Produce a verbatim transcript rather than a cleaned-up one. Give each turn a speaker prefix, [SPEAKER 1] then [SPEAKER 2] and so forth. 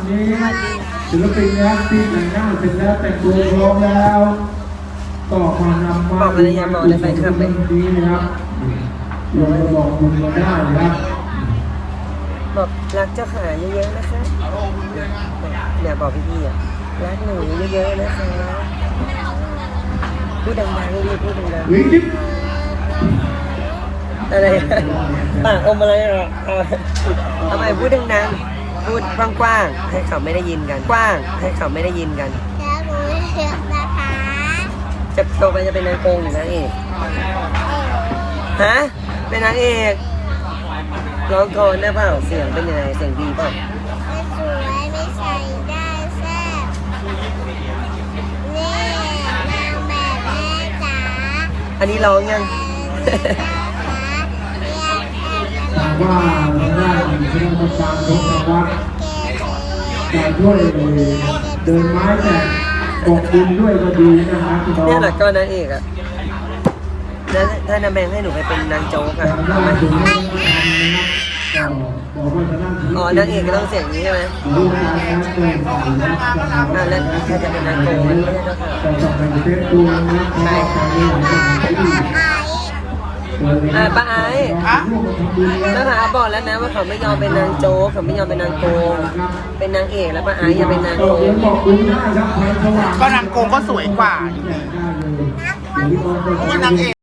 [SPEAKER 1] นี้ศิลปินนะครับที่แต่งหน้าเสร็จแล้วแต่งตัวพร้อมแล้วก็มานำมาดูงานบุญในนี้นะครับลงมาบอกบุญมาได้นะครับ
[SPEAKER 2] บอกรักเจ้าขาเยอะๆนะคะเนี่ยบอกพี่ๆอ่ะรักหนูเยอะๆนะคะพูดดังๆรีบพูดดังๆอะไรปากอมอะไรหรอทำไมพูดดังๆพูดกว้างๆให้เขาไม่ได้ยินกันกว้างให้เขาไม่ได้ยินกัน
[SPEAKER 3] แล้วหนูเลือกนะคะ
[SPEAKER 2] จะโตไปจะเป็นนางโกงหรือนางเอกฮะเป็นนางเอกร้องกลอนได้เปล่าเสียงเป็นยังไงเสียงดีเปล่า
[SPEAKER 3] ไม่สวยไม่ใส่ได้แซ่บนี่นางแบบแม่จ๋า
[SPEAKER 2] อันนี้ร้องยัง
[SPEAKER 1] ว่าได้คณะกรรมการยกรางวัลการช่วยเดินไม้แต่กบดินด้วยก็ดีนะครับพี่น้อง
[SPEAKER 2] เนี่ยแหละก็นางเอกอ่ะแล้วถ้านางแมงให้หนูไปเป็นนางโจ๊กอ่ะอ๋อนางเอกก็ต้องเสียงนี้ใช่ไหมอ่าแล้วถ้าจะเป็นนางโกงไม่ใช่เจ้าค่ะอ่าป้าไอ้เจ้าขาบอกแล้วนะว่าเขาไม่ยอมเป็นนางโจ๊กเขาไม่ยอมเป็นนางโกงเป็นนางเอกแล้วป้าไอ้อย่าเป็นนางโกง
[SPEAKER 4] ก็นางโกงก็สวยกว่าเพราะว่านางเอก